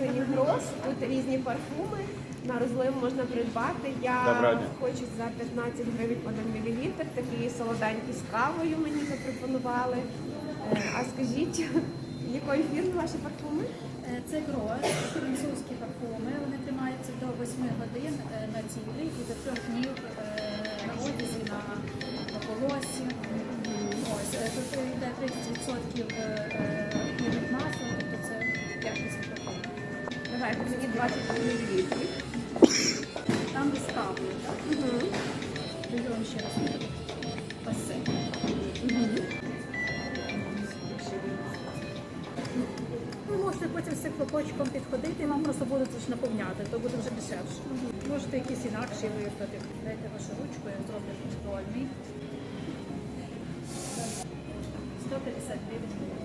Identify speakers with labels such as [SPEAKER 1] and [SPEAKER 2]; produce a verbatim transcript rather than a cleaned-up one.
[SPEAKER 1] магазині Гроз. Тут різні парфуми. На розлив можна придбати. Я хочу за п'ятнадцять гривень один мілілітр. Такі солоденькі з кавою мені запропонували. А скажіть, якої фірми ваші парфуми?
[SPEAKER 2] Це Гроз, французькі парфуми. Вони тримаються до восьми годин на тілі і до трьох днів на одязі, на, на волосі. Ось, тут йде тридцять відсотків ефірних масел, тобто це якісний парфум.
[SPEAKER 1] Давайте мені двадцять мілілітрів.
[SPEAKER 2] Там без кави, так? Угу. Беремо ще раз. Ось це. Угу. Ви можете потім з цим хлопочком підходити, і вам просто будуть лише наповняти, то буде вже дешевше. Угу. Можете якісь інакші вибрати. Дайте вашу ручку, я зроблю контрольний. сто п'ятдесят гривень.